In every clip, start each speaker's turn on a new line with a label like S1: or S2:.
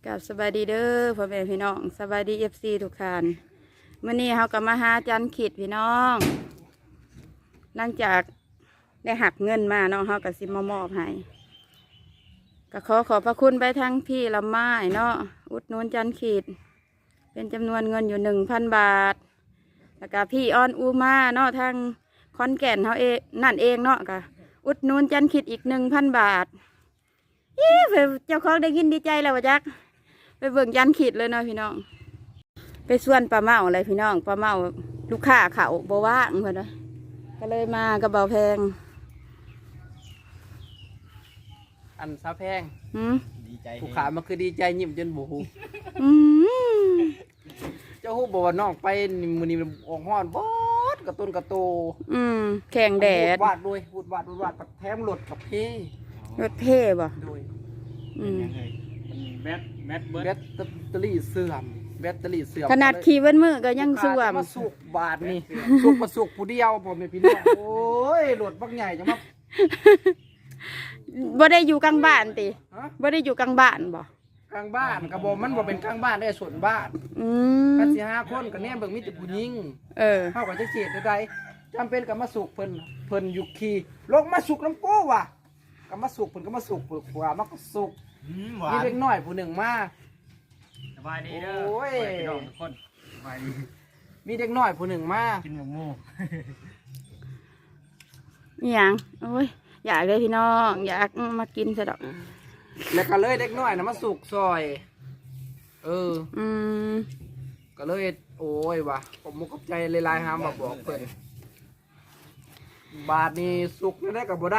S1: กับสบายดีเด้อพ่อแม่พี่น้องสบายดีFCทุกท่านมื้อนี้เฮาก็มาหาจันขิดพี่น้องหลังจากได้หักเงินมาเนาะเฮาก็สิมามอบให้ก็ขอบพระคุณไปทั้งพี่ละไม้เนาะอุดหนุนจันขิดเป็นจำนวนเงินอยู่ 1,000 บาทแล้วก็พี่ออนอูมาเนาะทางขอนแก่นเฮาเองนั่นเองเนาะก็อุดหนุนจันขิดอีก 1,000 บาทเจ้าของได้ยินดีใจแล้ววะจักไปเบิ่งยันขีดเลยเนาะพี่น้องไปส่วนปลาเมาอะไรพี่น้องปลาเมาลูกค้าเขาบ่ว่างเพื่อนเลยก็เลยมากระเบาแพง
S2: อันซาแพง
S3: ดีใจ
S2: ผู้ขามันคือดีใจยิ้มจนบูฮูเจ้าฮู้บอกว่าน้องไปมือนี้ออกห้อนบดกระตุ้นกระโต
S1: แข่งแดด
S2: วาดด้วยพูดวาดแถมรถกับเพ่
S1: รถเพ่บ่
S2: ด้วย
S3: แบต
S2: เตอรี่เสื่อมแบตเตอรี่เสื่อม
S1: ขนาดขี่เว้นมือก็ยังส่วม
S2: มาสุกบาทนี่สุกมาสุกผู้เดียวผมเป็นพี่น้องโอ้ยรถบักใหญ่จังมั้ง
S1: บ่ได้อยู่กลางบ้านติบ่ได้อยู่กลางบ้านบ่
S2: กลางบ้านกระบอกมันบ่เป็นกลางบ้านได้ส่วนบ้านกันสิ5 คนกันแน่เบิ่งมีแต่ผู้หญิงเข้ากับจะเสียใดจำเป็นกับมาสุกเพิ่นอยู่ขี่ลงมาสุกน้ำโก้ว่ะกับมาสุกเพิ่นก็มาสุกเปลือกหัวมันก็สุกมีเล็กน้อยผู้หนึ่งมา
S3: สบายดีเด้อโอ้ยน้องทุกคนสบายดี
S2: มีเด็กน้อยผู้หนึ่งมา
S3: กินหมู
S1: นี่ยังโอ้ยอยากเลยพี่น้องอยากมากินซะดอก
S2: แล้วก็เลยเด็กน้อยนะมาสุกซอยก็เลยโอ้ยว่ะผมมุกกับใจเลยลายหามมาบอกเพิ่นบาทนี้สุกได้กับบ่ได้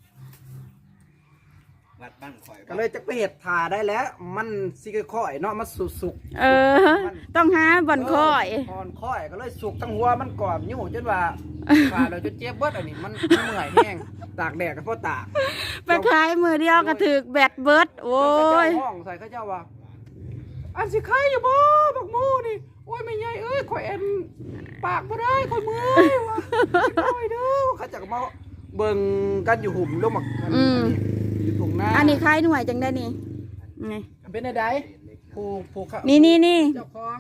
S2: ก็เลยจะไปเห็ดถ่าได้แล้วมันสิค่อยเนาะมันสุก
S1: ต้องหาบ่อนค่อย
S2: ก็เลยสุกทั้งหัวมันกรอบอยู่จนว่าฝ่าเราจะเจ็บเบิดอันนี้มันเมื่อยแห้งตากแดดก็เพราะตาก
S1: ไปขายมือเดียวก็ถือแบตเบิดโอ้ย
S2: ห้องใส่ข้าเจ้าว่าอันสิขายอยู่บ่บักหมูนี่โอ้ยไม่ใหญ่เอ้ยข่อยเอ็นปากบ่ได้ข่อยเมื่อยว่ะข่อยเด้อเขาจะมาเบิ่งกันอยู่หุ่มลงมา
S1: อันนี้คล้ายหน่วยจังได้นี่
S2: ไงเป็นอะไรผู้
S1: นี่
S2: เจ้าของ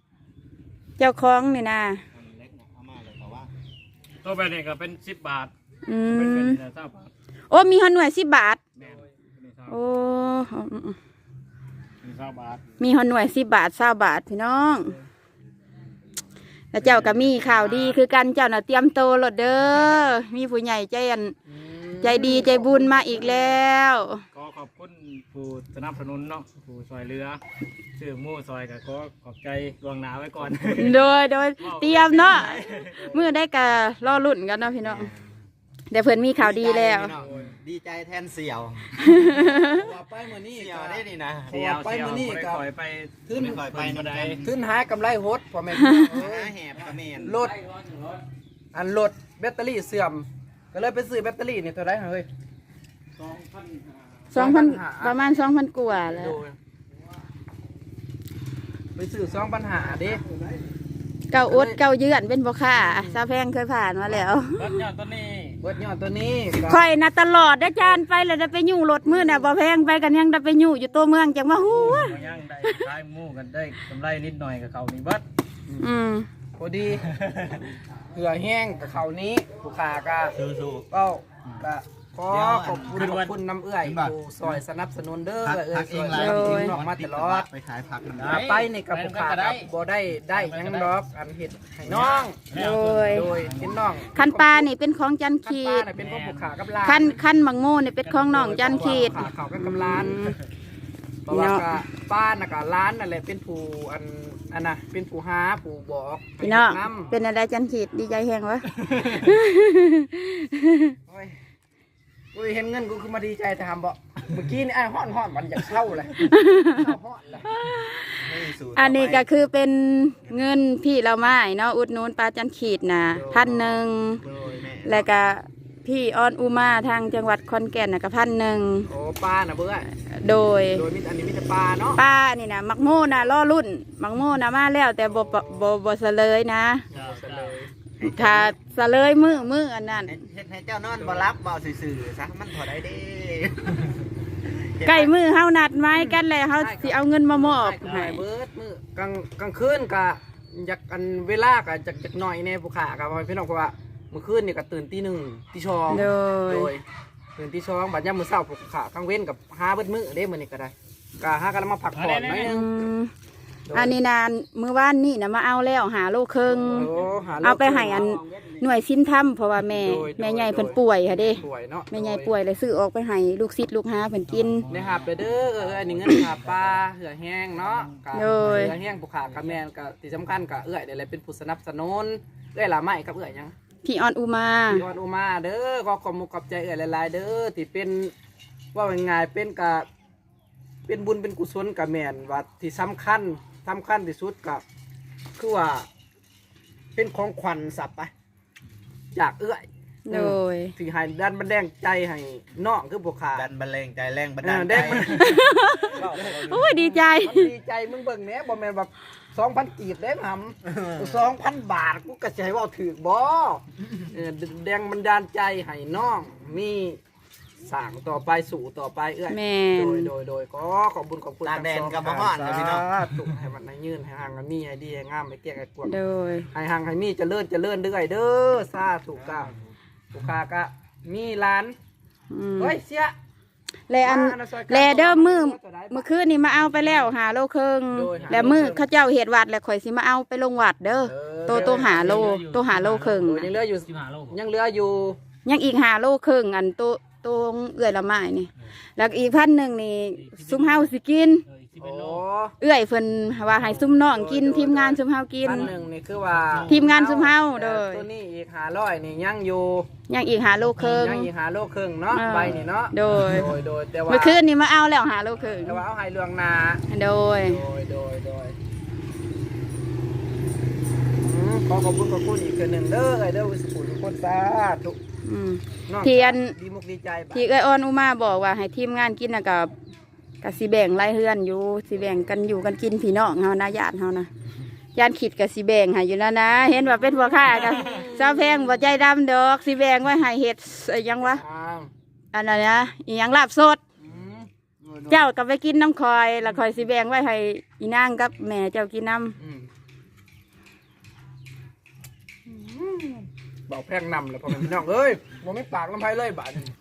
S1: นี่นะ
S3: ตัวแบบนี้ก็เป็น10 บาท
S1: เป็น
S3: 20 บาท
S1: โอ้มีหน่วย10 บาทโอ้
S3: 20 บาท
S1: มีหน่วย10 บาท20 บาทพี่น้องแล้วเจ้าก็มีข่าวดีคือกันเจ้าน่ะเตรียมโตรถเด้อมีผู้ใหญ่ใจดีใจบุญมาอีกแล้ว
S3: ก็ขอบคุณผู้สนับสนุนเนาะผู้ซอยเรือชื่อมู่ซอยก็ขอบใจดวงหนาไว้ก่อน
S1: โดยเตรียมเนาะเมื่อได้กะรอลุ่นกันเนาะพี่น้องเดี๋ยวเพื่อนมีข่าวดีแล้ว
S2: ดีใจแทนเสี่ยวไปเมื่อนี้
S3: เสี่ยวได้ดีนะ
S2: ไปเมื่อนี้ก็
S3: ไป
S2: ขึ้นหากำไรโหดพอแม่
S3: แหบกระเมน
S2: รถแบตเตอรี่เสื่อมก็เลยไปซื้อแบตเตอรี่นี่เท่าไรเฮ้ย
S1: 2,000ประมาณ 2,000 กว่าแล้ว
S2: ไปซื้อ2,500ดิ
S1: เก่าอดเก่าเยือนเป็นบ่ค่าซาแพงเคยผ่านมาแล้ว
S3: เบิดยอดตัว
S2: นี้
S1: ค่อยนะตลอดได้จานไปแล้วได้ไปยู่รถมื้อน่ะบ่แพงไปกันยังได้ไปยู่อยู่ตัวเมืองจังว่าฮู้
S3: ยังได้ขายหมูกันได้กำไรนิดหน่อยกับเขานี่เบิด
S2: พอดีเหือแห้งกับเขานี้ผู้ขาก็ก็ขอบคุณน้ำเอื้อยผู้ซอยสนับสนุนเด้อซอยน้องมาตลอด
S3: ไปขายผัก
S2: ไปนี่กับผู้ขาบ่ได้ยังดอกอันเห็ดให้น้องโดยเป็นน้อง
S1: คันปลานี่เป็นของจันขีด
S2: เป็นของผู้ขากับลาน
S1: คันมังโม่นี่เป็นของน้องจันขีด
S2: เขากับกำลานเพราะว่าป้าน่ะกับร้านนั่นแหละเป็นผู้อันน่ะเป็นผู้หาผู้บอก
S1: พี่น้องเป็นอะไรจันขีดดีใจแห้งวะ
S2: กูเห็นเงินกูคือมาดีใจแต่ทำบ่เมื่อกี้นี่ไอ้ห้อนมันอยากเข้าเลย
S1: อันนี้ก็คือเป็นเงินพี่เราไม้เนาะอุดหนุนปลาจันขีดนะ1,000แล้วก็พี่ออนอูมาทางจังหวัดขอนแก่นนะก็1,000
S2: โอ้ปลาน่ะเบื่อ
S1: โดย
S2: อันนี้มีแต่ปลาเนาะ
S1: ปลานี่นะมักโม่นะล่อรุ่นมักโม่นะมาแล้วแต่บ่เสลยนะถ้าเสลยมืออันนั้น
S2: เฮ็ดให้เจ้านอนบ่รับบ่ซื่อๆซะมันพอได้เด้
S1: ใกล้มือเฮานัดไม้กันแล้วเฮาสิเอาเงินมามอบ
S2: ให้
S1: ให้
S2: เบิดมื้อกลางคืนก็อยากอันเวลาก็จักหน่อยแน่ผู้ขาก็พี่น้องเพราะว่าเมื่อคืนนี่ก็ตื่นตี 1ตี2
S1: โดย
S2: ตื่นตี2บัดยามมื้อเช้าผู้ขากลางเว้นกับหาเบิดมื้อเด้มื้อนี้ก็ได้ก็หากันมาพักผ่อนหน่อยนึง
S1: อันนี้นานมื้อวานนี่นะมาเอาแล้วหาโลครึ่ง
S2: โอ้ห
S1: เอาไปให้อันหน่วยสิ้นถ้ำเพราะว่าแม่ใหญ่เพิ่นป่วยค่ะเด้
S2: ป่วยเนาะ
S1: แม่ใหญ่ป่วยเลยซื้อออกไปให้ลูกศิษย์ลูกหาเพิ่นกิน
S2: ได้หับไปเด้ออันนี้เงินหาปลาเหือแห้งเนาะก็
S1: โดย
S2: เหือแห้งผู้ขากับแม่นก็ที่สำคัญก็เอื้อยได้เลยเป็นผู้สนับสนุนเอื้อยละไม้กับเอื้อยหยัง
S1: พี่ออนอุมา
S2: พี่ออนอุมาเด้อก็ขอบมุกขอบใจเอื้อยหลายๆเด้อที่เป็นว่าเป็นไงเป็นกะเป็นบุญเป็นกุศลกับแม่นว่าที่สำคัญที่สุดกับคือว่าเป็นของขวัญสับไปจากเอื้อย
S1: โดย
S2: ที่ให้ดันบันแดงใจให้น้องคือพวกขา
S4: ดันบันเลงใจแรงบันดาล
S2: แด
S4: ใจ
S2: งมัน
S1: โอ้ยดีใจ
S2: มันดีใจมึงเบิ่งเนี้ยบ่แม่นแบบ2,000 กีบได้หำ2,000 บาทกูก็จะให้เว่าถือบ่แดงบันดาลใจให้น้องมีสร้างต่อไปสู่ต่อไปเอื้อย
S1: แม่น
S2: โดยก็ขอบคุญขอบคุณ
S4: ตาแดนกับบ่ฮ้อนเลยพี่น้อง
S2: ถูกให้มันให้ยืนให้ห่างให้มีให้ดีให้งามให้เกี้ยงให้กวาง
S1: โดย
S2: ให้ห่างให้มีเจริญเรื่อยเด้อสาธุกะลูกค้าก็มีร้าน
S1: อืม
S2: เฮ้ยเสีย
S1: แลอันแลเด้อมื้อคืนนี่มาเอาไปแล้วหาโลครึ่งแล้วมื้อเขาเจ้าเฮ็ดวัดแล้วข่อยสิมาเอาไปลงวัดเด้อโตหาโลครึ่ง
S2: โอ้ยยังเหลืออยู่
S3: 15 โล
S2: ยังเหลืออยู่
S1: ยังอีก5 โลครึ่งอันโตเอื้อยละไม้นี่แล้วอีก1,000นี่ซุมเฮาสิกิน
S2: โอ้
S1: เอื้อยเพิ่นว่าให้ซุมน้องกินทีมงานซุมเฮากิน
S2: 1,000นี่คือว่า
S1: ทีมงานซุมเฮาเด้อ
S2: ตัวนี้อีก500นี่ยังอยู่
S1: ยังอีก5 โลครึ่ง
S2: ยังอีก5 โลครึ่งเนาะใบนี่เนาะ
S1: โดย
S2: แต่ว่า
S1: เมื่อคืนนี่มาเอาแล้ว5 โลครึ่ง
S2: แต่ว่าเอาให้เรื่องหนา
S1: โดย
S2: ขอขอบคุณอีกเทื่อหนึ่งเด้อไอ้เด้อวิสปุทุกคนสาธุ
S1: อืม
S2: น้อง
S1: เทียน
S2: ดีมุกดีใจบ่ะ
S1: ที่เอ้ยออนอุมาบอกว่าให้ทีมงานกินนะกับสิแบ่งรายเฮือนอยู่สิแบ่งกันอยู่กันกินพี่น้องเฮานะญาติเฮานะญาติขิดกับสิแบ่งให้อยู่แล้วนะ เห็นว่าเป็นพ่อค้ากับเจ้าแพงบ่ใจดำดอกสิแบ่งไว้ให้เฮ็ดไอ้หยังวะ
S2: อ้าว
S1: อันนั้นนะอีหยังลาบสด
S2: อืม
S1: เจ้าก็ไปกินน้ำคอยแล้วคอยสิแบ่งไว้ให้อีนางกับแม่เจ้ากินน้
S2: อืมบอกแพงนำเลยพ่อแม่พี่น้องเอ้ยบ่ไม่ปากลำไผเลยบาดนี้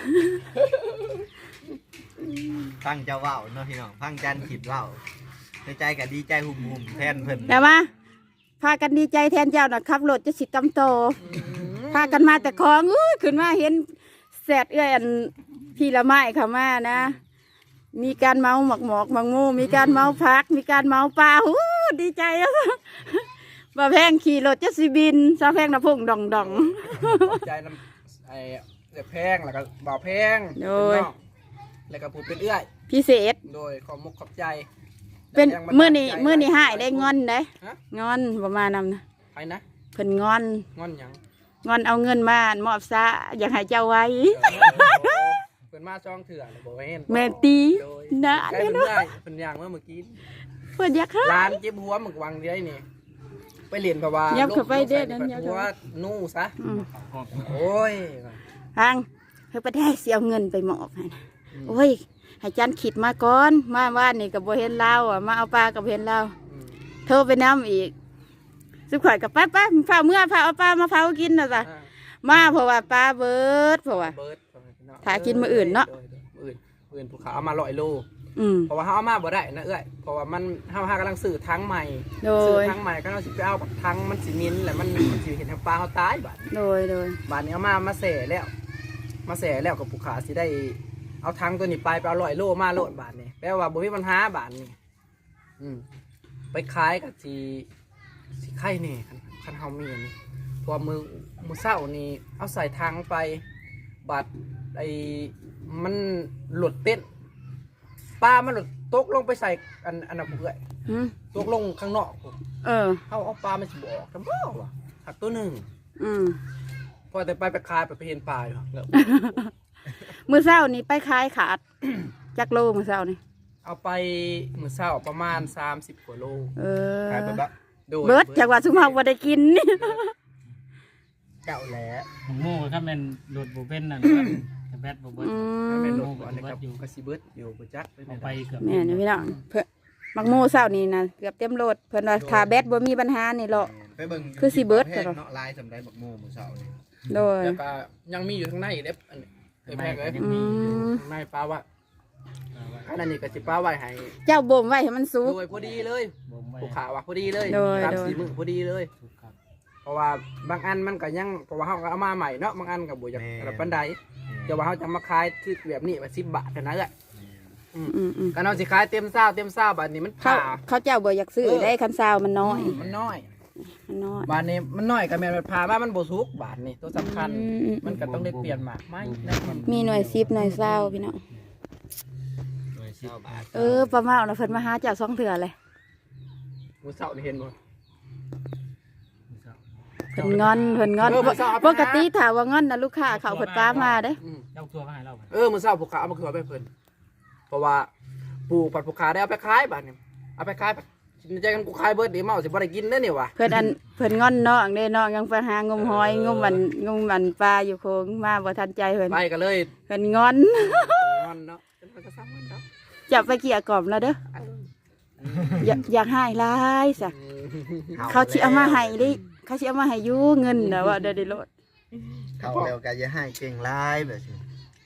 S4: ฟังเจ้าเว้าเนาะพี่น้องฟังจันขิดเว้าในใจก็ดีใจหุ่มๆแทนเพิ่น
S1: ำแต่ว่าพากันดีใจแทนเจ้าน่ะขับรถจะสิกำโต พากันมาแต่ของขึ้นมาเห็นแสดเอื้อยอันพี่ละไม้เข้ามานะ มีการเมาหมอกหมังมูมีการเมาพัก มีการเมาปลาดีใจแล้วบ่แพงขี่รถจะสิบินซาแพงนะพุ่งดองดอง
S2: ขอบใจน้ำไอ้แพงแล้วก็บ่าวแพง
S1: โดย
S2: เป็นน้องแล้วก็ผู้เป็นเอื้อย
S1: พิเศษ
S2: โดยขอมุกขอบใจ
S1: เป็น
S2: แต่ยัง
S1: มื้อนี้
S2: ใจ
S1: มื้อนี้หายได้งอนได้
S2: ฮะ
S1: งอนประมาณนั้นนะ
S2: ไปนะ
S1: เพิ่นงอน
S2: งอนหยัง
S1: งอนเอาเงินมามอบซะอยากให้เจ้าไว้
S2: เพิ่นมาช่องเถื่อเลยบอกว่าเห็น
S1: แม่ตี
S2: โดย
S1: นะ
S2: ใกล้
S1: เนี่ย
S2: เพิ่น
S1: เนาะ
S2: ได้เพิ่นย่างเมื่อกี้
S1: เพิ่นอยากให้
S2: ร้านเจ็บหัวหมึกวังเดียวนี่ไปเรียนเพราะว่า
S1: ยับเข้าไปเด้อ
S2: นั่
S1: นั่
S2: น
S1: นยับ
S2: หั
S1: เข้าไป
S2: วนู่ซะ
S1: อืม
S2: โอ้ย
S1: ทางเฮ้ยประเทศเสียเงินไปมอบให้นะโอ้ยให้จันขิดมาก่อนมาว่านนี่กับบ่เห็นเราอ่ะมาเอาปลากับเห็นเรา
S2: อืม
S1: โทรไปน้ำอีกสุขข่อยกับป้าเผาเมื่อเผาเอาปลามาเผากินนะจ๊ะ
S2: อ่า
S1: มาเพราะว่าปลาเบิดเพราะว่า
S2: เบิร์ด
S1: หากินมื้ออื่นเนาะ
S2: มื้ออื่นภูเขาเอามา100 โล
S1: อืม
S2: เพราะว่าเขาเอามาบ่ได้นะเอ้ยเพราะว่ามันเฮากำลังซื้อทั้งใหม่
S1: โด
S2: ซื้อย ทั้งใหม่ก็เราสิไปเอาแบบทั้งมันสิมินแหละมันสิเห็นทางปลาเขาตายบาด
S1: โดย
S2: บาดนี้เอามาแส่แล้วกับผู้ขาสิได้เอาทั้งตัวนี้ไปเอา100 โลมาโลดบาดนี้แปลว่าบ่มีปัญหาบาดนี้อืมไปขายกับสิไข่นี่คันเฮามีอันนี้เพอมือเช้านี่เอาใส่ทางไปบาดไอ้มันหลุดเต้นปลามันหลุดตกลงไปใส่อันนั้นเพื่อย
S1: อืม
S2: ตกลงข้างนอกผม
S1: เออ
S2: เอาปลามันสิบออกทำเปล่าวะหักตัวหนึ่ง
S1: อืม
S2: พอแต่ไปคายไปเห็นปลาอยู่แล้ว
S1: มื้อเช้านี่ไปขายขาด จักโลมื้อเช้านี่
S2: เอาไปมื้อเช้าประมาณ30 กว่าโล
S1: เออ
S4: ขายไปบะ
S2: โดย
S1: เบิดจากว่าสุภาพบ่ได้กิน
S4: เจ้าแหละ
S3: ของหมู่ถ้าเป็นโดดบ่เป็นนั่นแต่แบตบ่เบิด
S1: อื
S2: ถ้าแม่น
S1: ม
S2: ลงอันนี้ครับก็สิเบิดอยู่บ่จักไป
S3: เอาไปเกือบ
S1: แม่นพี่น้องเพิ่นมักโม่เช้านี่นะเกือบเต็มโหลดเพิ่นว่าถ้าแบตบ่มีปัญหานี่หรอก
S4: ไปเบิ่ง
S1: คือสิเบิด
S4: แพ
S1: แต่
S4: ง
S1: ว่า
S4: เนาะลายสำได้บักโมมื้อเช้านี่
S1: โดย
S2: แล้วก็ยังมีอยู่ข้างในอีกเด้อันนี้ไอ้แม่ก็
S1: อืม
S2: ไม่ป้าว่าอันนั้นนี่ก็สิป้าไว้ให้
S1: เจ้าบ่มไว้ให้มันสุก
S2: โดยพอดีเลย
S3: บ่มไว้
S2: ผูกขาว่าพอดีเลย
S1: โดย
S2: ตาม
S1: โดย
S2: สีมือพอดีเลย
S3: ถูกครับ
S2: เพราะว่าบางอันมันก็ยังเพราะว่าเฮาก็เอามาใหม่เนาะบางอันก็บ่อยากระปานใดแต่ว่าเฮาจะมาขายคือแบบนี้ว่า10 บาทเท่านั้นแหละ
S1: อืม
S2: กันเอาสิขายเต็มเศร้าบาทนี้มัน
S1: เขา
S2: ผ่า
S1: เขาเจ้าบ่อยากซื้อได้คันซาวมันน้อย
S2: มันน้อย
S1: มันน้อย
S2: บาทนี้มันน้อยก็แม่นมันผ่ามามันบ่สุกบาทนี้ตัวสำคัญ มันก็ต้องได้เปลี่ยนหมากไม้นะ
S1: มีหน่วย10หน่วยซาวพี่น้อง
S3: หน่วย10 บาท
S1: ประมาณน่ะเพิ่นมาหาเจ้า2เทื่อเลย
S2: มื้อเช้านี่เห็นบ่
S1: เพิ่นงอน
S2: เพิ่นเอาไป
S1: ปกติถ้าว่างอนน่ะลูกค้าเขาเพิ่นป้ามาเด้
S3: เจ้าตัวมาให้เราไป
S2: มื้อเช้าผูกขาเอามาคือเอาไปเพิ่นเพราะว่าปลูกผัดผูกขาได้เอาไปขายบาทนี้เอาไปขายใจกันกูขายเบิดเดี๋ยวเมาสิบ่ได้กินเด้อนี่ว่ะ
S1: เพิ่นงอนน้องเด้น้องยังไปหางมหอยงมมันปลาอยู่โคงมาบ่ทันใจเพิ่น
S2: ไปกันเลย
S1: เพิ่นงอน
S2: งอนเนาะเป็นมันก็ซ้ำมันเนาะ
S1: จับไปเกี่ยกล่อมแล้วเด้ออยากให้หลายซะเขาสิเอามาให้ดิเขาสิเอามาให้อยู่เงินน่ะว่าได้โลด
S4: เข้าแล้วก็อย่าให้เก่งลายแบบนี้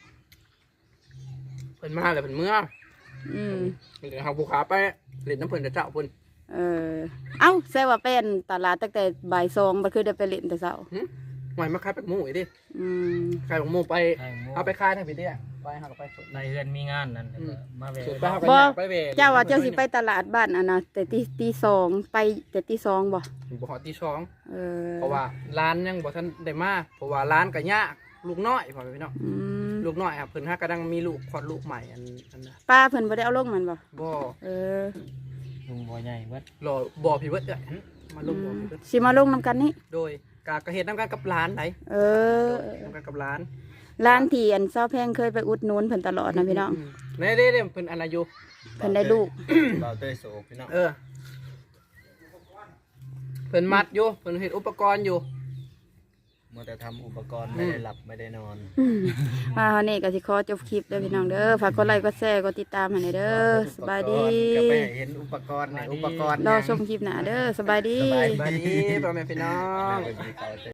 S2: เพิ่นมาแล้วเพิ่นเมื่อ
S1: อืม
S2: เพิ่นเอาผูกขาไปเล่นน้ำเพิ่นแต่เจ้าเพิ่น
S1: เอ้าแซ่ว่าเป็นตลาดตั้งแต่บ่าย2บ่คือได้ไปเล่นแต่เช้า
S2: หน่อยมาขายแปกหมูอีกดิ
S1: อืม
S2: ขายแปกหมูไป
S3: ให้หมู่
S2: เอาไปขายทางพี่เด้ไปหาก็ไปสด
S3: ในเรือนมีงานนั่นแล้วก็มาแวะ
S2: สุดไปหาก็อยากไปเว
S1: เจ้าว่าเจ้าสิไปตลาดบ้านอันน่ะแต่ตี2ไปแต่ตี2บ่
S2: บ่ฮอดที่ช่อง
S1: เออ
S2: เพราะว่าร้านยังบ่ทันได้มาเพราะว่าร้านก็ยากลูกน้อยพ่อพี่น้อง
S1: อืม
S2: ลูกน้อยครับเพิ่นหากำลังมีลูกคลอดลูกใหม่อันน่ะ
S1: ป้าเพิ่นบ่ได้เอาลงมันบ่
S2: บ่
S1: เออ
S3: ลุงบ่ใหญ่เบิด
S2: รอบ่พี่เบิดเด้อมาลงบ่พี่เบิด
S1: สิมาลงนํกันนี่
S2: โดยกะเฮ็ดนํกันกับร้านไหน
S1: เออ
S2: นํกันกับร้าน
S1: ร้านที่อันเซาแพงเคยไปอุดหนุนเพิ่นตลอดนะพี่น้อง
S2: นี่เด้เพิ่นอันอายุ
S1: เพิ่นได้ลูก
S4: เราเต้ยโศกพี่น้อง
S2: เพิ่นมัดอยู่เพิ่นเฮ็ดอุปกรณ์อยู่
S4: มัวแต่ทำอุปกรณ์ไม่ได้หลับไม่ได้นอน
S1: มาวันนี้ก็สิขอจบคลิปเด้อพี่น้องเด้อฝากกดไลค์กดแชร์กดติดตามให้หน่อยเด้อสบายดี
S4: ก็ไปเห็นอุปกรณ์เนี่ยอุปกรณ์
S1: รอชมคลิปหน้าเด้อสบายดี
S4: สบาย
S2: สวัสดีพ่อแม่พี่น้อง
S4: ดี